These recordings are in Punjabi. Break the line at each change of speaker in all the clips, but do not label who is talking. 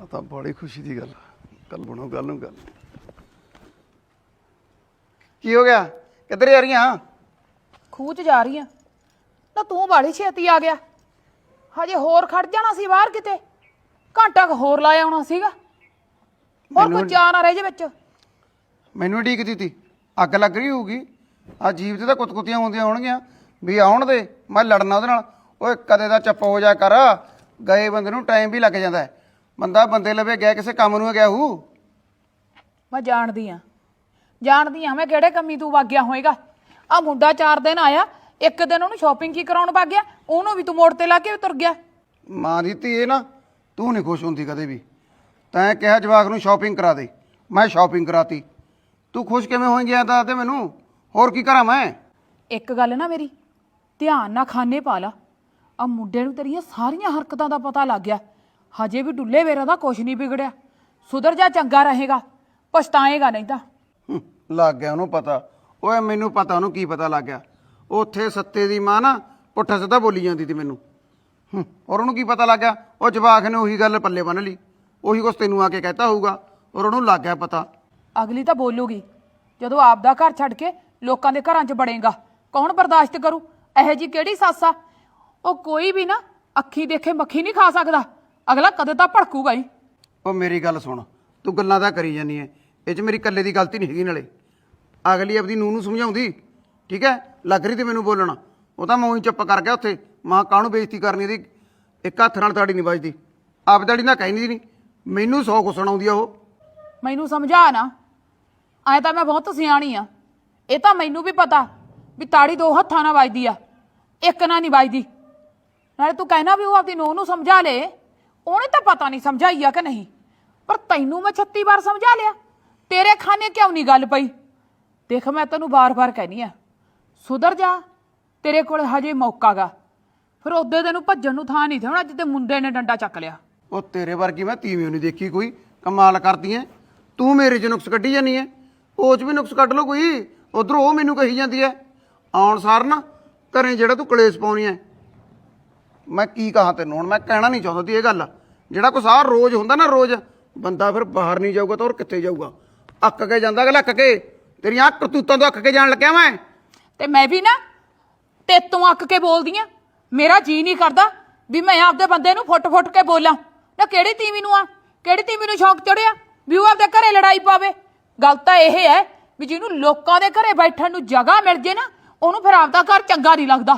ਆ ਤਾਂ ਬੜੀ ਖੁਸ਼ੀ ਦੀ ਗੱਲ ਕੱਲ ਬਣੋ ਗੱਲ ਨੂੰ ਗੱਲ। ਕੀ ਹੋ ਗਿਆ? ਕਿੱਧਰ ਜਾ ਰਹੀਆਂ?
ਖੂਹ 'ਚ ਜਾ ਰਹੀ ਆ। ਨਾ ਤੂੰ ਬਾੜੀ ਛੇਤੀ ਆ ਗਿਆ। ਹਜੇ ਹੋਰ ਖੜ ਜਾਣਾ ਸੀ ਬਾਹਰ ਕਿਤੇ, ਘੰਟਾ ਕੁ ਹੋਰ ਲਾਇਆ ਆਉਣਾ ਸੀਗਾ। ਹੋਰ ਕੋਈ ਚਾਹ ਨਾ ਰਹਿ ਜੇ ਵਿੱਚ।
ਮੈਨੂੰ ਉਡੀਕਦੀ ਤੀ, ਅੱਗ ਲੱਗ ਰਹੀ ਹੋਊਗੀ। ਆ ਜੀਵ ਤੇ ਤਾਂ ਕੁੱਤਕੁੱਤੀਆਂ ਹੁੰਦੀਆਂ ਹੋਣਗੀਆਂ ਵੀ ਆਉਣ ਦੇ, ਮੈਂ ਲੜਨਾ ਉਹਦੇ ਨਾਲ। ਓਏ ਕਦੇ ਦਾ ਚੁੱਪ ਹੋ ਜਾ ਕਰ, ਗਏ ਬੰਦੇ ਨੂੰ ਟਾਈਮ ਵੀ ਲੱਗ ਜਾਂਦਾ। ਬੰਦਾ ਬੰਦੇ ਲਵੇ ਗਿਆ ਕਿਸੇ ਕੰਮ ਨੂੰ ਗਿਆ ਹੂ।
ਮੈਂ ਜਾਣਦੀ ਆ ਮੈਂ ਕਿਹੜੇ ਕੰਮੀ ਤੂੰ ਵਗ ਗਿਆ ਹੋਏਗਾ। ਆ ਮੁੰਡਾ 4 ਦਿਨ ਆਇਆ, ਇੱਕ ਦਿਨ ਉਹਨੂੰ ਸ਼ਾਪਿੰਗ ਕੀ ਕਰਾਉਣ ਵਗ ਗਿਆ, ਉਹਨੂੰ ਵੀ ਤੂੰ ਮੋੜ ਤੇ ਲਾ ਕੇ ਤੁਰ ਗਿਆ।
ਮਾਂ ਦੀ ਧੀ ਇਹ ਨਾ, ਤੂੰ ਨਹੀਂ ਖੁਸ਼ ਹੁੰਦੀ ਕਦੇ ਵੀ। ਤੈਂ ਕਿਹਾ ਜਵਾਕ ਨੂੰ ਸ਼ਾਪਿੰਗ ਕਰਾ ਦੇ, ਮੈਂ ਸ਼ਾਪਿੰਗ ਕਰਾਤੀ। ਤੂੰ ਖੁਸ਼ ਕਿਵੇਂ ਹੋਈ ਗਿਆ ਦੱਸ ਦੇ ਮੈਨੂੰ, ਹੋਰ ਕੀ ਕਰਾਂ ਮੈਂ? ਇੱਕ
ਗੱਲ ਨਾ ਮੇਰੀ ਧਿਆਨ ਨਾਲ ਖਾਨੇ ਪਾ ਲਾ। ਆ ਮੁੰਡੇ ਨੂੰ ਤੇਰੀਆਂ ਸਾਰੀਆਂ ਹਰਕਤਾਂ ਦਾ ਪਤਾ ਲੱਗ ਗਿਆ। ਹਜੇ ਵੀ ਡੁੱਲੇ ਵੇਰਾ ਦਾ ਕੁਛ ਨਹੀਂ ਵਿਗੜਿਆ। ਸੁਧਰ ਜਾ, ਚੰਗਾ ਰਹੇਗਾ, ਪਛਤਾਏਗਾ ਨਹੀਂ ਤਾਂ।
ਲੱਗ ਗਿਆ ਉਹਨੂੰ ਪਤਾ। ਓਏ ਮੈਨੂੰ ਪਤਾ ਉਹਨੂੰ ਕੀ ਪਤਾ ਲੱਗ ਗਿਆ। ਉੱਥੇ ਸੱਤੇ ਦੀ ਮਾਂ ਨਾ ਪੁੱਠਾ ਸਿੱਧਾ ਬੋਲੀ ਜਾਂਦੀ ਸੀ ਮੈਨੂੰ। ਔਰ ਉਹਨੂੰ ਕੀ ਪਤਾ ਲੱਗ ਗਿਆ? ਉਹ ਜਵਾਕ ਨੇ ਉਹੀ ਗੱਲ ਪੱਲੇ ਬੰਨ ਲਈ, ਉਹੀ ਕੁਛ ਤੈਨੂੰ ਆ ਕੇ ਕਹਿਤਾ ਹੋਊਗਾ, ਔਰ ਉਹਨੂੰ ਲੱਗ ਗਿਆ ਪਤਾ।
ਅਗਲੀ ਤਾਂ ਬੋਲੂਗੀ ਜਦੋਂ ਆਪਦਾ ਘਰ ਛੱਡ ਕੇ ਲੋਕਾਂ ਦੇ ਘਰਾਂ 'ਚ ਵੜੇਗਾ। ਕੌਣ ਬਰਦਾਸ਼ਤ ਕਰੂ? ਇਹੋ ਜੀ ਕਿਹੜੀ ਸੱਸ ਆ? ਉਹ ਕੋਈ ਵੀ ਨਾ ਅੱਖੀ ਦੇਖੇ ਮੱਖੀ ਨਹੀਂ ਖਾ ਸਕਦਾ। ਅਗਲਾ ਕਦੇ ਤਾਂ ਭੜਕੂਗਾ ਹੀ।
ਉਹ ਮੇਰੀ ਗੱਲ ਸੁਣ, ਤੂੰ ਗੱਲਾਂ ਤਾਂ ਕਰੀ ਜਾਂਦੀ ਐ, ਇਹ 'ਚ ਮੇਰੀ ਇਕੱਲੇ ਦੀ ਗਲਤੀ ਨਹੀਂ ਹੈਗੀ। ਨਾਲੇ ਅਗਲੀ ਆਪਦੀ ਨੂੰਹ ਨੂੰ ਸਮਝਾਉਂਦੀ, ਠੀਕ ਹੈ? ਲੱਗ ਰਹੀ ਤੇ ਮੈਨੂੰ ਬੋਲਣਾ, ਉਹ ਤਾਂ ਮੈਂ ਉਹੀ ਚੁੱਪ ਕਰ ਗਿਆ ਉੱਥੇ। ਮਾਂ ਕਾਹਨੂੰ ਬੇਇੱਜ਼ਤੀ ਕਰਨੀ ਇਹਦੀ, ਇੱਕ ਹੱਥ ਨਾਲ ਤਾੜੀ ਨਹੀਂ ਵੱਜਦੀ। ਆਪ ਤਾੜੀ ਨਾ ਕਹਿੰਦੀ ਨਹੀਂ, ਮੈਨੂੰ 100 ਕੁ ਸੁਣਾਉਂਦੀ ਆ ਉਹ।
ਮੈਨੂੰ ਸਮਝਾ ਨਾ, ਐ ਤਾਂ ਮੈਂ ਬਹੁਤ ਸਿਆਣੀ ਆ। ਇਹ ਤਾਂ ਮੈਨੂੰ ਵੀ ਪਤਾ ਵੀ ਤਾੜੀ 2 ਹੱਥਾਂ ਨਾਲ ਵੱਜਦੀ ਆ, ਇੱਕ ਨਾਲ ਨਹੀਂ ਵੱਜਦੀ। ਨਾਲੇ ਤੂੰ ਕਹਿਣਾ ਵੀ ਉਹ ਆਪਦੀ ਨੂੰਹ ਨੂੰ ਸਮਝਾ ਲੇ, ਉਹਨੇ ਤਾਂ ਪਤਾ ਨਹੀਂ ਸਮਝਾਈ ਆ ਕਿ ਨਹੀਂ, ਪਰ ਤੈਨੂੰ ਮੈਂ 36 ਵਾਰ ਸਮਝਾ ਲਿਆ। ਤੇਰੇ ਖਾਨੇ ਕਿਉਂ ਨਹੀਂ ਗੱਲ ਪਈ? ਦੇਖ ਮੈਂ ਤੈਨੂੰ ਵਾਰ-ਵਾਰ ਕਹਿਨੀ ਆ, ਸੁਧਰ ਜਾ, ਤੇਰੇ ਕੋਲ ਹਜੇ ਮੌਕਾ ਗਾ। ਫਿਰ ਉਹਦੇ ਤੈਨੂੰ ਭੱਜਣ ਨੂੰ ਥਾਂ ਨਹੀਂ ਥੇ ਹੋਣਾ ਜਿੱਤੇ ਮੁੰਡੇ ਨੇ ਡੰਡਾ ਚੱਕ ਲਿਆ।
ਉਹ ਤੇਰੇ ਵਰਗੀ ਮੈਂ ਤੀਵੀਂ ਨਹੀਂ ਦੇਖੀ ਕੋਈ। ਕਮਾਲ ਕਰਦੀ ਐ ਤੂੰ, ਮੇਰੇ 'ਚ ਨੁਕਸ ਕੱਢੀ ਜਾਂਦੀ ਐ। ਉਹ 'ਚ ਵੀ ਨੁਕਸ ਕੱਢ ਲਓ ਕੋਈ। ਉਧਰੋਂ ਉਹ ਮੈਨੂੰ ਕਹੀ ਜਾਂਦੀ ਐ ਆਉਣ ਸਾਰ ਨਾ ਘਰੇ ਜਿਹੜਾ ਤੂੰ ਕਲੇਸ਼ ਪਾਉਣੀ ਐ। ਮੈਂ ਕੀ ਕਹਾਂ ਤੈਨੂੰ ਹੁਣ? ਮੈਂ ਕਹਿਣਾ ਨਹੀਂ ਚਾਹੁੰਦਾ ਤੀ ਇਹ ਗੱਲ। ਜਿਹੜਾ ਕੁਛ ਆਹ ਰੋਜ਼ ਹੁੰਦਾ ਨਾ, ਰੋਜ਼ ਬੰਦਾ ਫਿਰ ਬਾਹਰ ਨਹੀਂ ਜਾਊਗਾ ਤਾਂ ਹੋਰ ਕਿੱਥੇ ਜਾਊਗਾ? ਅੱਕ ਕੇ ਜਾਂਦਾ ਅਗਲਾ, ਅੱਕ ਕੇ। ਤੇਰੀਆਂ ਕਰਤੂਤਾਂ ਤੋਂ ਅੱਕ ਕੇ ਜਾਣ ਲੱਗਿਆ ਮੈਂ।
ਤੇ ਮੈਂ ਵੀ ਨਾ ਤੇਤੋਂ ਅੱਕ ਕੇ ਬੋਲਦੀ ਆ। ਮੇਰਾ ਜੀ ਨਹੀਂ ਕਰਦਾ ਵੀ ਮੈਂ ਆਪਦੇ ਬੰਦੇ ਨੂੰ ਫੁੱਟ-ਫੁੱਟ ਕੇ ਬੋਲਾਂ। ਨਾ ਕਿਹੜੀ ਤੀਵੀਂ ਨੂੰ ਕਿਹੜੀ ਤੀਵੀਂ ਨੂੰ ਸ਼ੌਂਕ ਚੜਿਆ ਵੀ ਉਹ ਆਪਦੇ ਘਰੇ ਲੜਾਈ ਪਾਵੇ? ਗੱਲ ਤਾਂ ਇਹ ਹੈ ਵੀ ਜਿਹਨੂੰ ਲੋਕਾਂ ਦੇ ਘਰੇ ਬੈਠਣ ਨੂੰ ਜਗ੍ਹਾ ਮਿਲ ਜੇ ਨਾ, ਉਹਨੂੰ ਫਿਰ ਆਪਦਾ ਘਰ ਚੰਗਾ ਨਹੀਂ ਲੱਗਦਾ।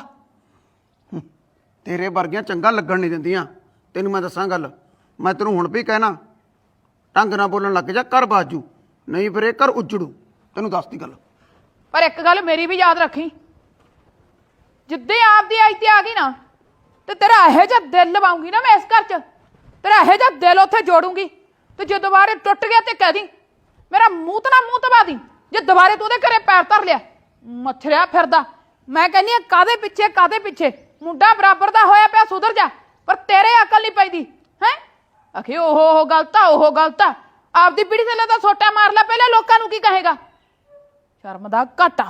ਤੇਰੇ ਵਰਗੀਆਂ ਚੰਗਾ ਲੱਗਣ ਨਹੀਂ ਦਿੰਦੀਆਂ। ਤੈਨੂੰ ਮੈਂ ਦੱਸਾਂ ਗੱਲ, ਮੈਂ ਤੈਨੂੰ ਹੁਣ ਵੀ ਕਹਿਣਾ, ਢੰਗ ਨਾਲ ਬੋਲਣ ਲੱਗ ਜਾ, ਘਰ ਬਾਜੂ ਨਹੀਂ ਫਿਰ ਇਹ ਘਰ ਉਜੜੂ। ਤੈਨੂੰ ਦੱਸਦੀ ਗੱਲ।
ਪਰ ਇੱਕ ਗੱਲ ਮੇਰੀ ਵੀ ਯਾਦ ਰੱਖੀ, ਜਿੱਦੇ ਆਪਦੀ ਆਈ ਤੇ ਆ ਗਈ ਨਾ, ਤੇ ਤੇਰਾ ਇਹੋ ਜਿਹਾ ਦਿਲ ਲਵਾਉਂਗੀ ਨਾ ਮੈਂ ਇਸ ਘਰ 'ਚ, ਤੇਰਾ ਇਹੋ ਜਿਹਾ ਦਿਲ ਉੱਥੇ ਜੋੜੂੰਗੀ। ਤੇ ਜੇ ਦੁਬਾਰੇ ਟੁੱਟ ਗਿਆ ਤੇ ਕਹਿ ਦੀ ਮੇਰਾ ਮੂੰਹ ਤਾਂ ਨਾ ਮੂੰਹ ਤਬਾ ਦੀ। ਜੇ ਦੁਬਾਰੇ ਤੂੰ ਉਹਦੇ ਘਰੇ ਪੈਰ ਧਰ ਲਿਆ, ਮੱਥਰਿਆ ਫਿਰਦਾ। ਮੈਂ ਕਹਿੰਦੀ ਆ ਕਾਹਦੇ ਪਿੱਛੇ ਮੁੰਡਾ ਬਰਾਬਰ ਦਾ ਹੋਇਆ ਪਿਆ, ਸੁਧਰ ਜਾ। ਪਰ ਤੇਰੇ ਅਕਲ ਨਹੀਂ ਪੈਂਦੀ ਹੈ। ਆਖੇ ਉਹ ਗਲਤ ਆ। ਆਪਦੀ ਪੀੜੀ ਥੱਲੇ ਤਾਂ ਸੋਟਾ ਮਾਰ ਲੈ ਪਹਿਲਾਂ, ਲੋਕਾਂ ਨੂੰ ਕੀ ਕਹੇਗਾ? ਸ਼ਰਮ ਦਾ ਘਾਟਾ।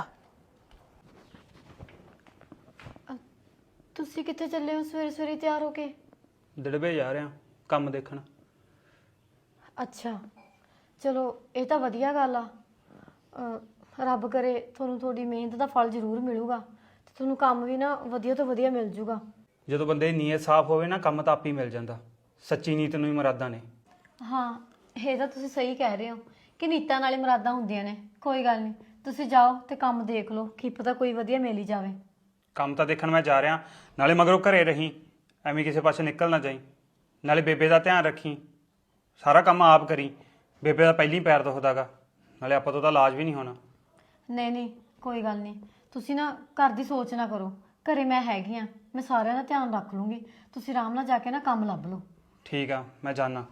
ਤੁਸੀਂ ਕਿੱਥੇ ਚੱਲੇ ਹੋ ਸਵੇਰੇ ਸਵੇਰੇ ਤਿਆਰ ਹੋ ਕੇ?
ਦੜਬੇ ਜਾ ਰਿਹਾ ਕੰਮ ਦੇਖਣ।
ਅੱਛਾ ਚਲੋ, ਇਹ ਤਾਂ ਵਧੀਆ ਗੱਲ ਆ। ਰੱਬ ਕਰੇ ਤੁਹਾਨੂੰ ਤੁਹਾਡੀ ਮਿਹਨਤ ਦਾ ਫਲ ਜ਼ਰੂਰ ਮਿਲੂਗਾ ਤੇ ਤੁਹਾਨੂੰ ਕੰਮ ਵੀ ਨਾ ਵਧੀਆ ਤੋਂ ਵਧੀਆ ਮਿਲ ਜੂਗਾ।
ਜਦੋਂ ਬੰਦੇ ਦੀ ਨੀਅਤ ਸਾਫ਼ ਹੋਵੇ ਨਾ, ਕੰਮ ਤਾਂ ਆਪੇ ਹੀ ਮਿਲ ਜਾਂਦਾ। ਸੱਚੀ ਨੀਤ ਨੂੰ ਹੀ ਮੁਰਾਦਾਂ ਨੇ।
ਹਾਂ, ਇਹ ਤਾਂ ਤੁਸੀਂ ਸਹੀ ਕਹਿ ਰਹੇ ਹੋ ਕਿ ਨੀਤਾਂ ਨਾਲੇ ਮੁਰਾਦਾਂ ਹੁੰਦੀਆਂ ਨੇ। ਕੋਈ ਗੱਲ ਨਹੀਂ, ਤੁਸੀਂ ਜਾਓ ਤੇ ਕੰਮ ਦੇਖ ਲਓ, ਕੀ ਪਤਾ ਕੋਈ ਵਧੀਆ ਮਿਲ ਹੀ ਜਾਵੇ।
ਕੰਮ ਤਾਂ ਦੇਖਣ ਮੈਂ ਜਾ ਰਿਹਾ, ਨਾਲੇ ਮਗਰੋਂ ਘਰੇ ਰਹੀ, ਐਵੇਂ ਕਿਸੇ ਪਾਸੇ ਨਿਕਲ ਨਾ ਜਾਈ। ਨਾਲੇ ਬੇਬੇ ਦਾ ਧਿਆਨ ਰੱਖੀ, ਸਾਰਾ ਕੰਮ ਆਪ ਕਰੀ। ਬੇਬੇ ਦਾ ਪਹਿਲੀ ਪੈਰ ਦੁਖਦਾ ਗਾ, ਨਾਲੇ ਆਪਾਂ ਤੋਂ ਤਾਂ ਇਲਾਜ ਵੀ ਨਹੀਂ ਹੋਣਾ।
ਨਹੀਂ ਕੋਈ ਗੱਲ ਨਹੀਂ, ਤੁਸੀਂ ਨਾ ਘਰ ਦੀ ਸੋਚ ਨਾ ਕਰੋ। ਘਰੇ ਮੈਂ ਹੈਗੀ ਆ, ਮੈਂ ਸਾਰਿਆਂ ਦਾ ਧਿਆਨ ਰੱਖ ਲੂੰਗੀ। ਤੁਸੀਂ ਆਰਾਮ ਨਾਲ ਜਾ ਕੇ ਨਾ ਕੰਮ ਲੱਭ ਲਓ।
ਠੀਕ ਆ, ਮੈਂ ਜਾਣਾ।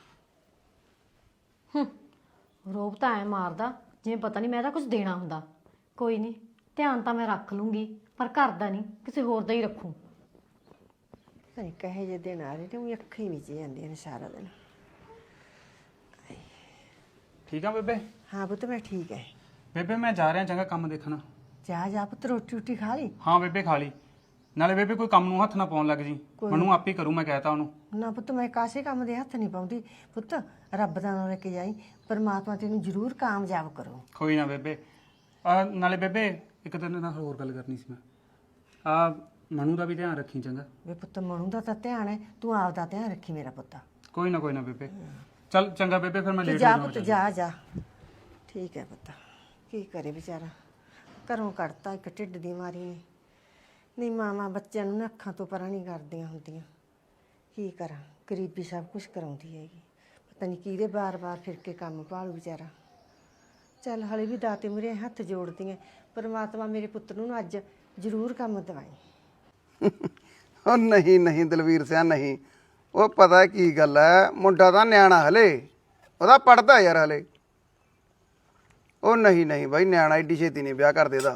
ਰੋਬ ਤਾਂ ਐ ਮਾਰਦਾ ਜਿਵੇਂ ਪਤਾ ਨਹੀਂ ਮੈਂ ਤਾਂ ਕੁਝ ਦੇਣਾ ਹੁੰਦਾ। ਕੋਈ ਨਹੀਂ, ਧਿਆਨ ਤਾਂ ਮੈਂ ਰੱਖ ਲੂੰਗੀ, ਪਰ ਘਰ ਦਾ ਨਹੀਂ, ਕਿਸੇ ਹੋਰ ਦਾ ਹੀ ਰੱਖੂ।
ਨਹੀਂ ਕਹੇ ਜੇ ਦਿਨ ਆ ਰਹੇ ਨੇ, ਉਹ ਅੱਖਾਂ ਹੀ ਵਿੱਚ ਜਾਂਦੀਆਂ ਨੇ ਸਾਰਾ ਦਿਨ।
ਠੀਕ ਆ ਬੇਬੇ?
ਹਾਂ ਪੁੱਤ ਮੈਂ ਠੀਕ ਹੈ।
ਬੇਬੇ ਮੈਂ ਜਾ ਰਿਹਾ ਚੰਗਾ ਕੰਮ ਦੇਖਣ।
ਜਾ ਪੁੱਤ, ਰੋਟੀ ਰੋਟੀ ਖਾ ਲਈ?
ਹਾਂ ਬੇਬੇ ਖਾ ਲਈ। ਨਾਲੇ ਬੇਬੇ ਕੋਈ ਕੰਮ ਨੂੰ ਹੱਥ ਨਾ ਪਾਉਣ ਲੱਗ ਜੀ, ਮੈਨੂੰ ਆਪੇ ਕਰੂ, ਮੈਂ ਕਹਿਤਾ ਉਹਨੂੰ।
ਨਾ ਪੁੱਤ ਮੈਂ ਕਾਸੇ ਕੰਮ ਦੇ ਹੱਥ ਨਹੀਂ ਪਾਉਂਦੀ ਪੁੱਤ, ਰੱਬ ਦਾ ਨਾਮ ਲੈ ਕੇ ਜਾਈ, ਪਰਮਾਤਮਾ ਤੈਨੂੰ ਜ਼ਰੂਰ ਕਾਮਯਾਬ ਕਰੂ।
ਕੋਈ ਨਾ ਬੇਬੇ। ਨਾਲੇ ਬੇਬੇ ਇੱਕ ਤੇਰੇ ਨਾਲ ਹੋਰ ਗੱਲ ਕਰਨੀ ਸੀ ਮੈਂ। ਮਨੂ ਦਾ ਵੀ ਧਿਆਨ ਰੱਖੀ ਚੰਗਾ।
ਵੇ ਪੁੱਤ ਮਨੂ ਦਾ ਤਾਂ ਧਿਆਨ ਹੈ, ਤੂੰ ਆਪ ਦਾ ਧਿਆਨ ਰੱਖੀ ਮੇਰਾ ਪੁੱਤ।
ਕੋਈ ਨਾ ਬੇਬੇ। ਚੱਲ ਚੰਗਾ ਬੇਬੇ, ਫਿਰ ਮੈਂ ਲੇਟ ਹੋ
ਜਾ
ਜਾਵਾਂ।
ਪੁੱਤ ਜਾ। ਠੀਕ ਹੈ ਪੁੱਤ, ਕੀ ਕਰੇ ਵਿਚਾਰਾ, ਘਰੋਂ ਕੱਢਤਾ ਇੱਕ ਢਿੱਡ ਦੀ ਮਾਰੀ ਨੇ। ਨਹੀਂ ਮਾਵਾਂ ਬੱਚਿਆਂ ਨੂੰ ਨਾ ਅੱਖਾਂ ਤੋਂ ਪਰਾਂ ਨਹੀਂ ਕਰਦੀਆਂ ਹੁੰਦੀਆਂ। ਕੀ ਕਰਾਂ, ਗਰੀਬੀ ਸਭ ਕੁਝ ਕਰਾਉਂਦੀ ਹੈਗੀ। ਪਤਾ ਨਹੀਂ ਕਿਹਦੇ ਬਾਰ-ਬਾਰ ਫਿਰ ਕੇ ਕੰਮ ਭਾਲੂ ਵਿਚਾਰਾ। ਚੱਲ ਹਲੇ ਵੀ ਦਾਤੇ ਮੁਰੇ ਹੱਥ ਜੋੜਦੀ ਐ, ਪਰਮਾਤਮਾ ਮੇਰੇ ਪੁੱਤ ਨੂੰ ਨਾ ਅੱਜ ਜ਼ਰੂਰ ਕੰਮ ਦਵਾਈ।
ਉਹ ਨਹੀਂ ਦਲਵੀਰ ਸਿਆ ਨਹੀਂ, ਉਹ ਪਤਾ ਕੀ ਗੱਲ ਹੈ, ਮੁੰਡਾ ਤਾਂ ਨਿਆਣਾ ਹਲੇ, ਉਹਦਾ ਪੜਦਾ ਯਾਰ ਹਲੇ। ਉਹ ਨਹੀਂ ਬਾਈ, ਨਿਆਣਾ ਏਡੀ ਛੇਤੀ ਨਹੀਂ ਵਿਆਹ ਕਰ ਦੇਦਾ।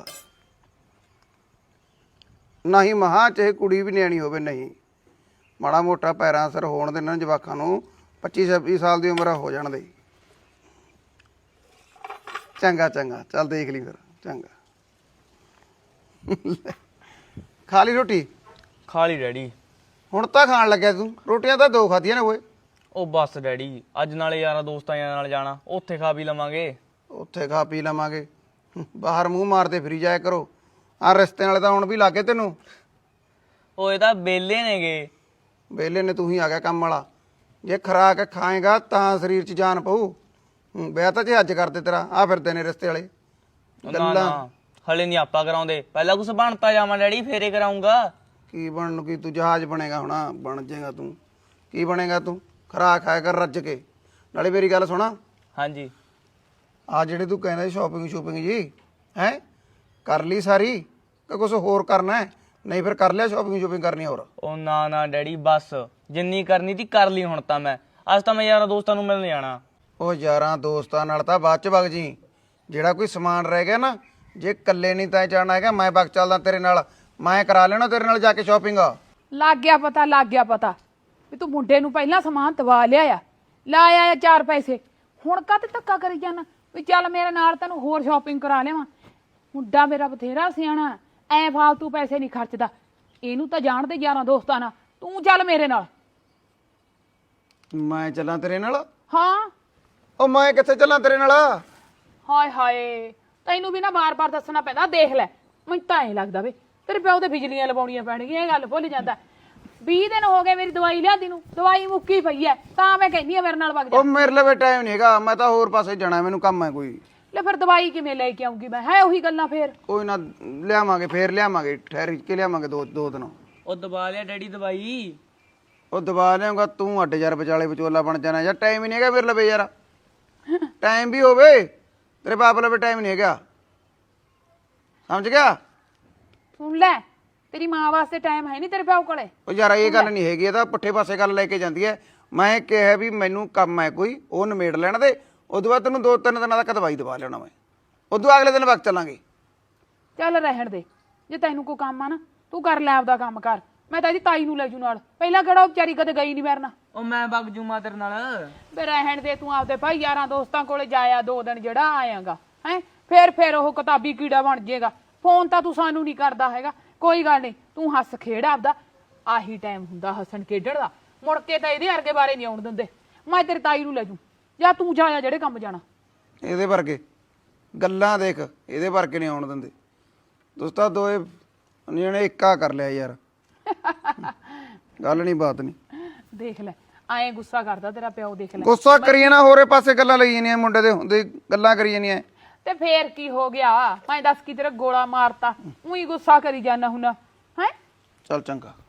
ਨਹੀਂ ਮਹਾਂ ਚਾਹੇ ਕੁੜੀ ਵੀ ਨਿਆਣੀ ਹੋਵੇ, ਨਹੀਂ ਮਾੜਾ ਮੋਟਾ ਪੈਰਾਂ ਅਸਰ ਹੋਣ ਦੇ ਇਹਨਾਂ ਜਵਾਕਾਂ ਨੂੰ 25-26 ਸਾਲ ਦੀ ਉਮਰ ਹੋ ਜਾਣ ਦੇ। ਚੰਗਾ ਚੱਲ ਦੇਖ ਲਈ ਫਿਰ। ਚੰਗਾ ਖਾ ਲਈ ਰੋਟੀ?
ਖਾ ਲਈ ਡੈਡੀ।
ਹੁਣ ਤਾਂ ਖਾਣ ਲੱਗਿਆ ਤੂੰ? ਰੋਟੀਆਂ ਤਾਂ 2 ਖਾਧੀਆਂ ਨੇ ਓਏ।
ਉਹ ਬਸ ਡੈਡੀ, ਅੱਜ ਨਾਲੇ ਯਾਰਾਂ ਦੋਸਤਾਂ ਨਾਲ ਜਾਣਾ, ਉੱਥੇ ਖਾ ਪੀ ਲਵਾਂਗੇ।
ਉੱਥੇ ਖਾ ਪੀ ਲਵਾਂਗੇ, ਬਾਹਰ ਮੂੰਹ ਮਾਰਦੇ ਫਿਰੀ ਜਾਇਆ ਕਰੋ। ਆ ਰਿਸ਼ਤੇ ਵਾਲੇ ਤਾਂ ਹੁਣ ਵੀ ਲਾਗੇ ਤੈਨੂੰ।
ਉਹ ਇਹ ਤਾਂ ਬੇਲੇ ਨੇਗੇ।
ਵਿਹਲੇ ਨੇ, ਤੂੰ ਹੀ ਆ ਗਿਆ ਕੰਮ ਵਾਲਾ। ਜੇ ਖਰਾਕ ਖਾਏਗਾ ਤਾਂ ਸਰੀਰ 'ਚ ਜਾਨ ਪਊ। ਵਿਆਹ ਤਾਂ ਜੇ ਅੱਜ ਕਰਦੇ ਤੇਰਾ, ਆ ਫਿਰਦੇ ਨੇ ਰਿਸ਼ਤੇ ਵਾਲੇ
ਨਾ ਹਲੇ ਨਹੀਂ ਆਪਾਂ ਕਰਾਉਂਦੇ, ਪਹਿਲਾਂ ਕੁਛ ਬਣਤਾ ਜਾਵਾਂ ਡੈਡੀ, ਫੇਰੇ ਕਰਾਉਂਗਾ।
ਕੀ ਬਣਨ ਨੂੰ, ਕੀ ਤੂੰ ਜਹਾਜ਼ ਬਣੇਗਾ ਹੁਣ? ਬਣ ਜਾਏਗਾ ਤੂੰ, ਕੀ ਬਣੇਗਾ ਤੂੰ? ਖਰਾਕ ਖਾਇਆ ਕਰ ਰੱਜ ਕੇ। ਨਾਲੇ ਮੇਰੀ ਗੱਲ ਸੁਣਾ,
ਹਾਂਜੀ।
ਆ ਜਿਹੜੇ ਤੂੰ ਕਹਿੰਦਾ ਸ਼ੋਪਿੰਗ ਜੀ ਹੈ, ਕਰ ਲਈ ਸਾਰੀ ਕਿ ਕੁਛ ਹੋਰ ਕਰਨਾ ਹੈ? ਨਹੀਂ ਫਿਰ ਕਰ ਲਿਆ ਸ਼ੋਪਿੰਗ ਕਰਨੀ ਹੋਰ?
ਉਹ ਨਾ ਡੈਡੀ, ਬਸ ਜਿੰਨੀ ਕਰਨੀ ਤੀ ਕਰ ਲਈ ਹੁਣ ਤਾਂ ਮੈਂ। ਅੱਜ ਤਾਂ ਮੈਂ ਯਾਰਾਂ ਦੋਸਤਾਂ ਨੂੰ ਮਿਲਣ ਜਾਣਾ।
ਉਹ ਯਾਰਾਂ ਦੋਸਤਾਂ ਨਾਲ ਤਾਂ ਬਾਅਦ ਚ ਵਗ ਜੀ। ਜਿਹੜਾ ਕੋਈ ਸਮਾਨ ਰਹਿ ਗਿਆ ਨਾ, ਜੇ ਇਕੱਲੇ ਨਹੀਂ ਤਾਂ ਜਾਣਾ ਹੈਗਾ, ਮੈਂ ਵਗ ਚੱਲਦਾ ਤੇਰੇ ਨਾਲ, ਮੈਂ ਕਰਾ ਲੈਣਾ ਤੇਰੇ ਨਾਲ ਜਾ ਕੇ ਸ਼ਾਪਿੰਗ।
ਲੱਗ ਗਿਆ ਪਤਾ ਵੀ ਤੂੰ ਮੁੰਡੇ ਨੂੰ ਪਹਿਲਾਂ ਸਮਾਨ ਦਵਾ ਲਿਆ, ਲਾਇਆ 4 ਪੈਸੇ। ਹੁਣ ਕਾਹਤੇ ਧੱਕਾ ਕਰੀ ਜਾਣਾ ਵੀ ਚੱਲ ਮੇਰੇ ਨਾਲ ਤੈਨੂੰ ਹੋਰ ਸ਼ਾਪਿੰਗ ਕਰਾ ਲਿਆਵਾਂ? ਮੁੰਡਾ ਮੇਰਾ ਬਥੇਰਾ ਸਿਆਣਾ, ਐ ਫਾਲਤੂ ਪੈਸੇ ਨਹੀਂ ਖਰਚਦਾ। ਇਹਨੂੰ ਤਾਂ ਜਾਣਦੇ ਯਾਰਾਂ ਦੋਸਤਾਂ ਨਾਲ, ਤੂੰ ਚੱਲ ਮੇਰੇ ਨਾਲ।
ਮੈਂ ਚੱਲਾਂ ਤੇਰੇ ਨਾਲ?
ਹਾਂ।
ਉਹ ਮੈਂ ਕਿੱਥੇ ਚੱਲਾਂ ਤੇਰੇ ਨਾਲ?
ਹਾਏ ਤੈਨੂੰ ਵੀ ਨਾ ਬਾਰ-ਬਾਰ ਦੱਸਣਾ ਪੈਂਦਾ। ਦੇਖ ਲੈ, ਮੈਨੂੰ ਤਾਂ ਐ ਲੱਗਦਾ ਵੇ ਤੇਰੇ ਪਿਓ ਤੇ ਬਿਜਲੀਆਂ ਲਵਾਉਣੀਆਂ ਪੈਣਗੀਆਂ। ਇਹ ਗੱਲ ਭੁੱਲ ਜਾਂਦਾ। 20 ਦਿਨ ਹੋ ਗਏ ਮੇਰੀ ਦਵਾਈ ਲਿਆਂਦੀ ਨੂੰ, ਦਵਾਈ ਮੁੱਕੀ ਪਈ ਐ, ਤਾਂ ਮੈਂ ਕਹਿੰਦੀ ਆ ਮੇਰੇ ਨਾਲ ਵਗ ਜਾ।
ਉਹ ਮੇਰੇ ਲਈ ਟਾਈਮ ਨਹੀਂ ਹੈਗਾ, ਮੈਂ ਤਾਂ ਹੋਰ ਪਾਸੇ ਜਾਣਾ, ਮੈਨੂੰ ਕੰਮ ਹੈ ਕੋਈ।
ਲੈ ਫਿਰ ਦਵਾਈ ਕਿਵੇਂ ਲੈ ਕੇ ਆਉਂਗੀ ਮੈਂ? ਹੈ ਉਹੀ ਗੱਲਾਂ ਫੇਰ।
ਕੋਈ ਨਾ ਲਿਆਵਾਂਗੇ, ਫੇਰ ਲਿਆਵਾਂਗੇ, ਠਹਿਰ ਕੇ ਲਿਆਵਾਂਗੇ 2 ਦਿਨ।
ਉਹ ਦਬਾ ਲਿਆ ਡੈਡੀ ਦਵਾਈ।
ਉਹ ਦਬਾ ਲਿਆਉਂਗਾ ਤੂੰ, ਅੱਡ ਯਾਰ ਵਿਚਾਲੇ ਵਿਚੋਲਾ ਬਣ ਜਾਣਾ ਯਾਰ। ਟਾਈਮ ਹੀ ਨਹੀਂ ਹੈਗਾ ਮੇਰੇ ਲਈ ਯਾਰ। ਟਾਈਮ ਵੀ ਹੋਵੇ, ਤੇਰੇ ਬਾਪ ਲਈ ਟਾਈਮ ਨਹੀਂ ਹੈਗਾ, ਸਮਝ ਗਿਆ?
ਸੁਣ ਲੈ, ਤੇਰੀ ਮਾਂ ਵਾਸਤੇ ਟਾਈਮ ਹੈ ਨਹੀਂ ਤੇਰੇ ਪਿਓ ਕੋਲੇ।
ਉਹ ਯਾਰ ਇਹ ਗੱਲ ਨਹੀਂ ਹੈਗੀ, ਇਹ ਤਾਂ ਪੁੱਠੇ ਪਾਸੇ ਗੱਲ ਲੈ ਕੇ ਜਾਂਦੀ ਹੈ। ਮੈਂ ਕਿਹਾ ਵੀ ਮੈਨੂੰ ਕੰਮ ਹੈ ਕੋਈ, ਉਹ ਨਿਮੇੜ ਲੈਣ ਦੇ, ਉਦੋਂ ਬਾਅਦ ਤੈਨੂੰ 2-3 ਦਿਨਾਂ ਤੱਕ ਦਵਾਈ ਦਵਾ ਲੈਣਾ ਮੈਂ, ਉਦੋਂ ਅਗਲੇ ਦਿਨ ਵਕਤ ਚੱਲਾਂਗੇ।
ਚੱਲ ਰਹਿਣ ਦੇ, ਜੇ ਤੈਨੂੰ ਕੋਈ ਕੰਮ ਆ ਨਾ ਤੂੰ ਕਰ ਲੈ ਆਪਦਾ ਕੰਮ ਕਰ। ਮੈਂ ਤਾਂ ਇਹਦੀ ਤਾਈ ਨੂੰ ਲੈ ਜੂ ਨਾਲ, ਪਹਿਲਾਂ ਕਿਹੜਾ ਉਹ ਵਿਚਾਰੀ ਕਦੇ ਗਈ ਨਹੀਂ ਮੇਰੇ ਨਾਲ।
ਉਹ ਮੈਂ ਵਗ ਜੂਮਾ ਤੇਰੇ ਨਾਲ।
ਵੇ ਰਹਿਣ ਦੇ ਤੂੰ ਆਪਦੇ ਭਾਈ ਯਾਰਾਂ ਦੋਸਤਾਂ ਕੋਲੇ ਜਾਇਆ 2 ਦਿਨ ਜਿਹੜਾ ਆਇਆਗਾ ਹੈ, ਫਿਰ ਉਹ ਕਿਤਾਬੀ ਕੀੜਾ ਬਣ ਜਾਏਗਾ। ਫੋਨ ਤਾਂ ਤੂੰ ਸਾਨੂੰ ਨਹੀਂ ਕਰਦਾ ਹੈਗਾ। ਕੋਈ ਗੱਲ ਨਹੀਂ, ਤੂੰ ਹੱਸ ਖੇਡ ਆਪਦਾ, ਆਹੀ ਟਾਈਮ ਹੁੰਦਾ ਹੱਸਣ ਖੇਡਣ ਦਾ। ਮੁੜ ਕੇ ਤਾਂ ਇਹਦੇ ਵਰਗੇ ਬਾਰੇ ਨਹੀਂ ਆਉਣ ਦਿੰਦੇ। ਮੈਂ ਤੇਰੀ ਤਾਈ ਨੂੰ ਲੈ ਜੂ, ਜਾਂ ਤੂੰ ਜਾਇਆ ਜਿਹੜੇ ਕੰਮ ਜਾਣਾ।
ਇਹਦੇ ਵਰਗੇ ਗੱਲਾਂ ਦੇਖ, ਇਹਦੇ ਵਰਗੇ ਨਹੀਂ ਆਉਣ ਦਿੰਦੇ। ਦੋਸਤਾ ਦੋਏ ਨੇ ਇੱਕਾ ਕਰ ਲਿਆ ਯਾਰ, ਗੱਲ ਨਹੀਂ ਬਾਤ ਨਹੀਂ।
ਦੇਖ ਲੈ ਐਂ ਗੁੱਸਾ ਕਰਦਾ ਤੇਰਾ ਪਿਓ। ਦੇਖ ਲੈ
ਗੁੱਸਾ ਕਰੀਏ ਨਾ, ਹੋਰੇ ਪਾਸੇ ਗੱਲਾਂ ਲਈ ਜਾਂਦੀਆਂ, ਮੁੰਡੇ ਦੇ ਹੁੰਦੇ ਗੱਲਾਂ ਕਰੀ ਜਾਂਦੀਆਂ।
ਤੇ ਫੇਰ ਕੀ ਹੋ ਗਿਆ? ਮੈਂ ਦੱਸ ਕੀ ਤੇਰਾ ਗੋਲਾ ਮਾਰਤਾ, ਉਹੀ ਗੁੱਸਾ ਕਰੀ ਜਾਣਾ ਹੁਣ ਹੈ?
ਚੱਲ ਚੰਗਾ।